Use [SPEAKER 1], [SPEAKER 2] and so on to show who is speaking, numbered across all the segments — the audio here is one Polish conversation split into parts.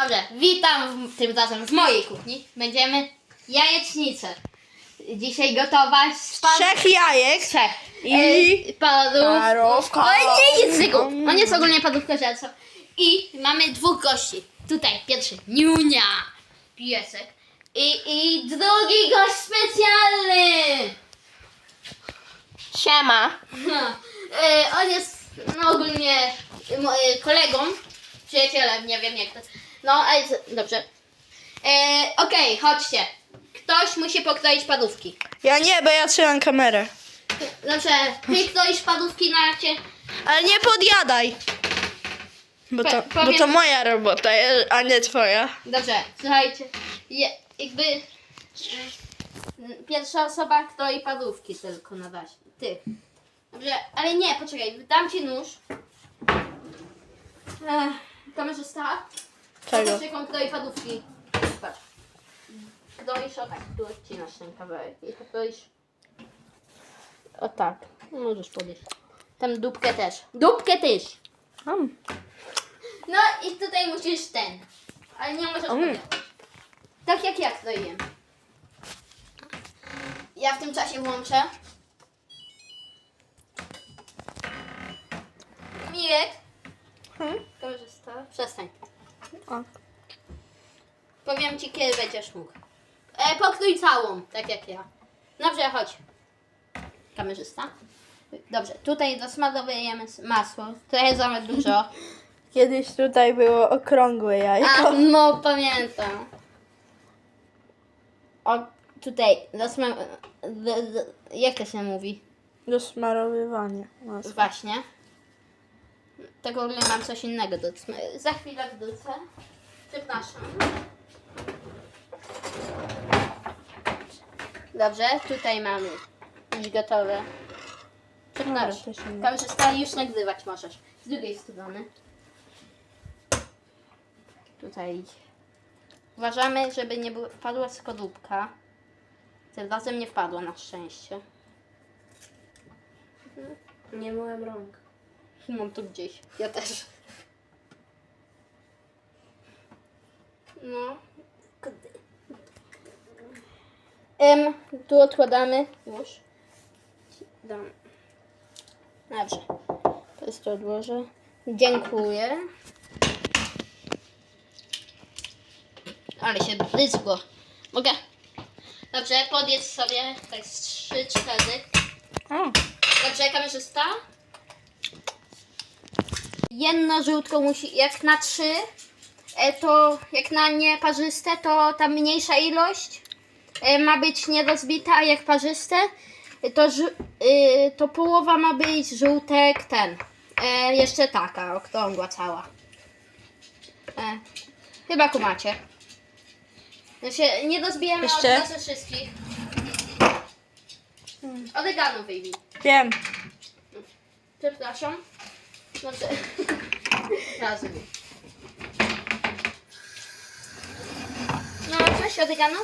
[SPEAKER 1] Dobrze, witam tym razem w mojej kuchni. Będziemy jajecznicę dzisiaj gotować z
[SPEAKER 2] 3 jajek.
[SPEAKER 1] trzech.
[SPEAKER 2] I
[SPEAKER 1] Parówka.
[SPEAKER 2] parówka.
[SPEAKER 1] Nie, nic tego. On jest ogólnie parówka żelco. I mamy 2 gości. Tutaj pierwszy Niunia, piesek. I drugi gość specjalny.
[SPEAKER 2] Siema.
[SPEAKER 1] On jest ogólnie kolegą, przyjacielem, nie wiem jak to. No, ale dobrze. Okej, chodźcie. Ktoś musi pokroić parówki.
[SPEAKER 2] Ja nie, bo ja trzymam kamerę.
[SPEAKER 1] Dobrze, ty kroisz parówki na cię.
[SPEAKER 2] Ale nie podjadaj. Bo
[SPEAKER 1] Powiem-
[SPEAKER 2] to moja robota, a nie twoja.
[SPEAKER 1] Dobrze, słuchajcie. Jakby pierwsza osoba kroi parówki tylko na razie. Ty. Dobrze, ale nie, poczekaj, dam ci nóż. Kamerzysta.
[SPEAKER 2] Czego?
[SPEAKER 1] Zobacz, jak on kroi parówki. Patrz. Kroisz o tak, tu odcinasz ten kawałek i to kroisz o tak. Możesz podejść. Tam dupkę też. Dupkę też. No i tutaj musisz ten. Ale nie możesz podjechać. Tak jak ja kroiłem. Ja w tym czasie włączę. Mirek. Korzysta. Przestań. Powiem ci, kiedy będziesz mógł. Pokrój całą, tak jak ja. Dobrze, chodź. Kamerzysta. Dobrze, tutaj dosmarowujemy masło. Trochę za dużo.
[SPEAKER 2] Kiedyś tutaj było okrągłe jajko.
[SPEAKER 1] A, no pamiętam. O, tutaj jak to się mówi?
[SPEAKER 2] Do smarowywania masła.
[SPEAKER 1] Właśnie. Tak w ogóle mam coś innego do za chwilę wrócę. Przepraszam. Dobrze, tutaj mamy już gotowe. Przepraszam. Kamerzysta, już nagrywać możesz. Z drugiej strony. Tutaj. Uważamy, żeby nie wpadła skorupka. Tym razem nie wpadła na szczęście.
[SPEAKER 2] Nie myłem rąk.
[SPEAKER 1] Mam tu gdzieś. Ja też. No. Tu odkładamy. Już. Dam. Dobrze. To jest to odłożę. Dziękuję. Ale się bryzgło. Mogę? Dobrze, podjedz sobie tak z 3-4. Dobrze, kamerzysta? Jedno żółtko musi, jak na 3, to jak na nieparzyste, to ta mniejsza ilość ma być nierozbita, a jak parzyste, to połowa ma być żółtek ten. Jeszcze taka, okrągła cała. Chyba kumacie. Znaczy, nie rozbijemy
[SPEAKER 2] Jeszcze?
[SPEAKER 1] od razu wszystkich. Oregano wyjmij.
[SPEAKER 2] Wiem.
[SPEAKER 1] Przepraszam. Znaczy, razem. No, coś oregano?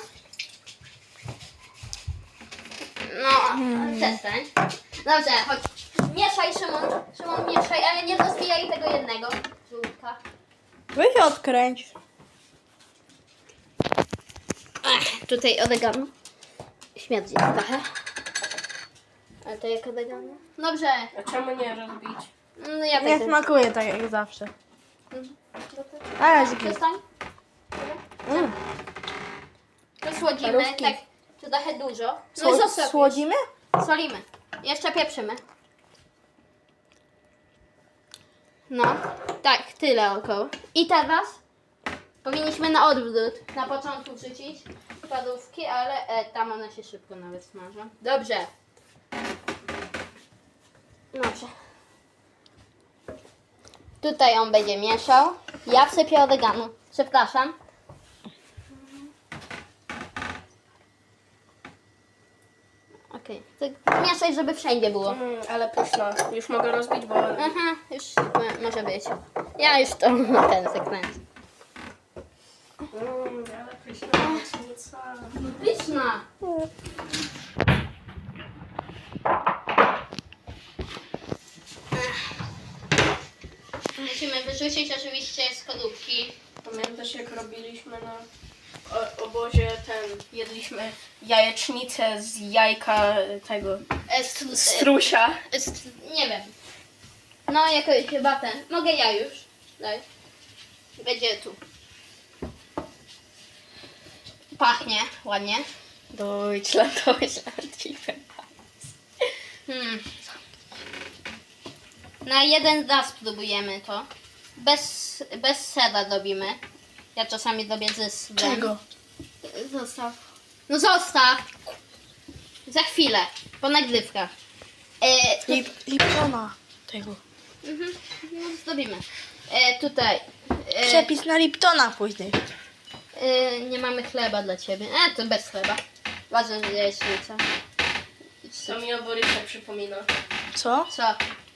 [SPEAKER 1] No, przestań. Dobrze, chodź. Mieszaj, Szymon. Szymon, mieszaj, ale nie rozbijaj tego jednego żółtka.
[SPEAKER 2] Weź odkręć.
[SPEAKER 1] Tutaj oregano. Śmierdzi trochę. Ale to jak oregano? Dobrze.
[SPEAKER 3] A czemu nie rozbić?
[SPEAKER 1] No ja
[SPEAKER 2] Nie
[SPEAKER 1] tak.
[SPEAKER 2] smakuje tak jak zawsze. Ale zgryz.
[SPEAKER 1] Przestań. To słodzimy,
[SPEAKER 2] Parówki.
[SPEAKER 1] tak trochę dużo. No i zostaw.
[SPEAKER 2] Słodzimy?
[SPEAKER 1] Solimy. Jeszcze pieprzymy. No, tak, tyle około. I teraz powinniśmy na odwrót. Na początku wrzucić parówki, ale tam one się szybko nawet smażą. Dobrze. Dobrze. Tutaj on będzie mieszał. Ja wsypię oregano. Przepraszam. Okej. Tak mieszaj, żeby wszędzie było.
[SPEAKER 3] Ale pyszna. Już mogę rozbić, bo...
[SPEAKER 1] Aha, już może być. Ja już to ten zakręcę.
[SPEAKER 3] ale pyszna jajecznica.
[SPEAKER 1] Pyszna. Musimy wyrzucić oczywiście skorupki.
[SPEAKER 3] Pamiętasz jak robiliśmy na obozie jedliśmy jajecznicę z jajka tego strusia.
[SPEAKER 1] Nie wiem. No jakoś chyba ten. Mogę ja już. Daj. Będzie tu. Pachnie ładnie.
[SPEAKER 3] Deutschland.
[SPEAKER 1] Na jeden raz spróbujemy to. Bez sera robimy. Ja czasami robię ze serem.
[SPEAKER 2] Czego?
[SPEAKER 1] Zostaw. No zostaw! Za chwilę. Po nagrywkach.
[SPEAKER 2] Liptona. Tego.
[SPEAKER 1] No zrobimy. Tutaj.
[SPEAKER 2] Przepis na Liptona później.
[SPEAKER 1] Nie mamy chleba dla ciebie. To bez chleba. Ważne, że jest jajecznica.
[SPEAKER 3] To mi o Borysa przypomina.
[SPEAKER 2] Co?
[SPEAKER 1] Co?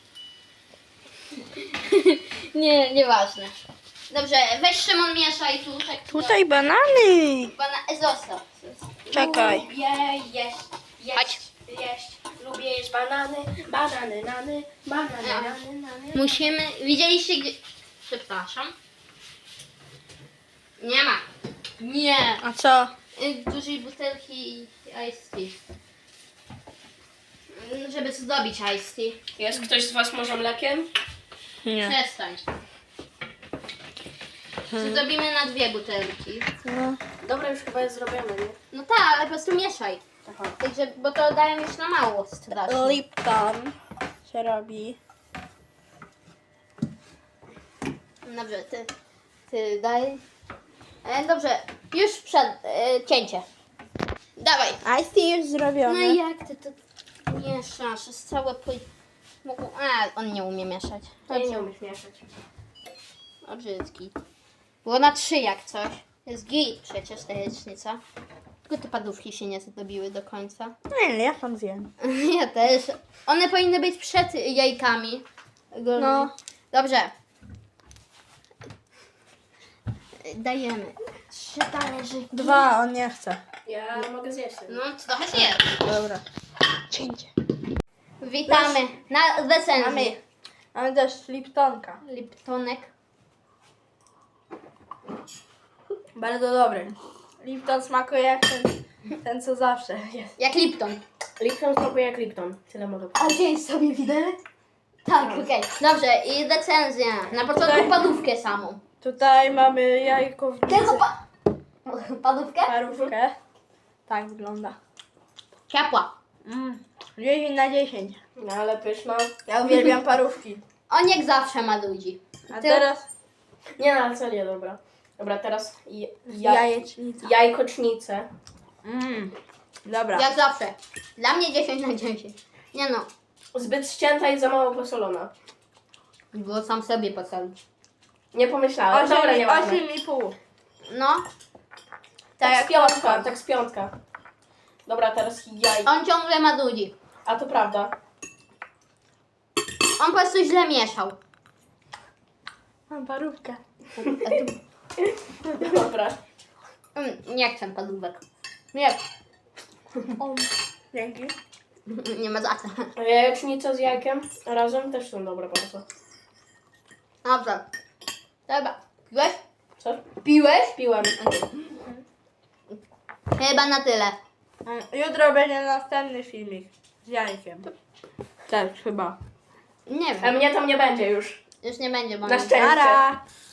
[SPEAKER 1] Nieważne. Dobrze, weź Szymon mieszaj tu. Tak,
[SPEAKER 2] Tutaj banany.
[SPEAKER 1] Zostaw.
[SPEAKER 2] Czekaj.
[SPEAKER 3] Lubię jeść. Lubię jeść banany, nany.
[SPEAKER 1] Musimy... Widzieliście gdzie... Przepraszam. Nie ma. Nie.
[SPEAKER 2] A co?
[SPEAKER 1] Dużej butelki iced tea. Żeby zdobić iced tea.
[SPEAKER 3] Jest ktoś z was może mlekiem?
[SPEAKER 2] Nie.
[SPEAKER 1] Przestań. Zrobimy na 2 butelki.
[SPEAKER 2] No.
[SPEAKER 3] Dobra, już chyba jest zrobione, nie?
[SPEAKER 1] No tak, ale po prostu mieszaj.
[SPEAKER 3] Aha.
[SPEAKER 1] Także, bo to daje już na mało strasznie.
[SPEAKER 2] Lipton się robi.
[SPEAKER 1] Dobrze, ty daj. Dobrze, już przed cięcie. Dawaj.
[SPEAKER 2] Ice tea już
[SPEAKER 1] No
[SPEAKER 2] zrobione.
[SPEAKER 1] i jak ty to mieszasz? Jest całe on nie umie mieszać.
[SPEAKER 3] To nie umiesz mieszać.
[SPEAKER 1] O, brzydki. Było na 3 jak coś. Jest git przecież ta jajecznica. Tylko te padówki się nie zdobiły do końca.
[SPEAKER 2] Nie, ja tam zjem.
[SPEAKER 1] Ja też. One powinny być przed jajkami.
[SPEAKER 2] No.
[SPEAKER 1] Dobrze. Dajemy 3 talerzyki.
[SPEAKER 2] 2, on nie chce.
[SPEAKER 3] Ja mogę zjeść.
[SPEAKER 1] No, trochę zjedz.
[SPEAKER 2] Dobra. Cięcie.
[SPEAKER 1] Witamy na recenzji.
[SPEAKER 2] Mamy też Liptonka.
[SPEAKER 1] Liptonek.
[SPEAKER 2] Bardzo dobry. Lipton smakuje jak ten co zawsze jest.
[SPEAKER 1] Jak Lipton.
[SPEAKER 3] Lipton smakuje jak Lipton. Tyle mogę
[SPEAKER 1] A wziąłeś sobie widelec? Tak, okej. Dobrze, i recenzja. Na początku padówkę samą.
[SPEAKER 2] Tutaj mamy jajkownicę.
[SPEAKER 1] Tylko padówkę?
[SPEAKER 2] Parówkę. Tak wygląda.
[SPEAKER 1] Ciepła.
[SPEAKER 2] 10 na 10.
[SPEAKER 3] No ale pyszna.
[SPEAKER 2] Ja uwielbiam parówki.
[SPEAKER 1] On jak zawsze ma ludzi.
[SPEAKER 2] A
[SPEAKER 1] Ty-
[SPEAKER 2] teraz
[SPEAKER 3] Nie, no ale co nie, dobra. Dobra, teraz
[SPEAKER 2] jajecznica.
[SPEAKER 3] jajkocznicę.
[SPEAKER 2] Dobra.
[SPEAKER 1] Jak zawsze. Dla mnie 10 na 10. Nie no.
[SPEAKER 3] Zbyt ścięta i za mało posolona.
[SPEAKER 1] Było sam sobie posolić.
[SPEAKER 3] Nie pomyślałem. Dobra, nieważne.
[SPEAKER 2] 8,5.
[SPEAKER 1] No.
[SPEAKER 3] Tak z piątka, tak z piątka. Dobra, teraz jaj.
[SPEAKER 1] On ciągle ma ludzi.
[SPEAKER 3] A to prawda.
[SPEAKER 1] On po prostu źle mieszał.
[SPEAKER 2] Mam parówkę.
[SPEAKER 3] Dobra.
[SPEAKER 1] Nie chcę padówek. Nie.
[SPEAKER 2] Dzięki.
[SPEAKER 1] Nie ma za co.
[SPEAKER 3] A jajecznica z jajkiem razem też są dobre bardzo.
[SPEAKER 1] Dobrze. Dobra. Piłeś?
[SPEAKER 3] Co?
[SPEAKER 1] Piłeś?
[SPEAKER 3] Piłem.
[SPEAKER 1] Chyba na tyle.
[SPEAKER 2] Jutro będzie następny filmik z jajkiem. Też chyba.
[SPEAKER 1] Nie
[SPEAKER 3] A
[SPEAKER 1] wiem.
[SPEAKER 3] mnie tam nie będzie już.
[SPEAKER 1] Już nie będzie, bo
[SPEAKER 3] Na szczęście.
[SPEAKER 2] Nara.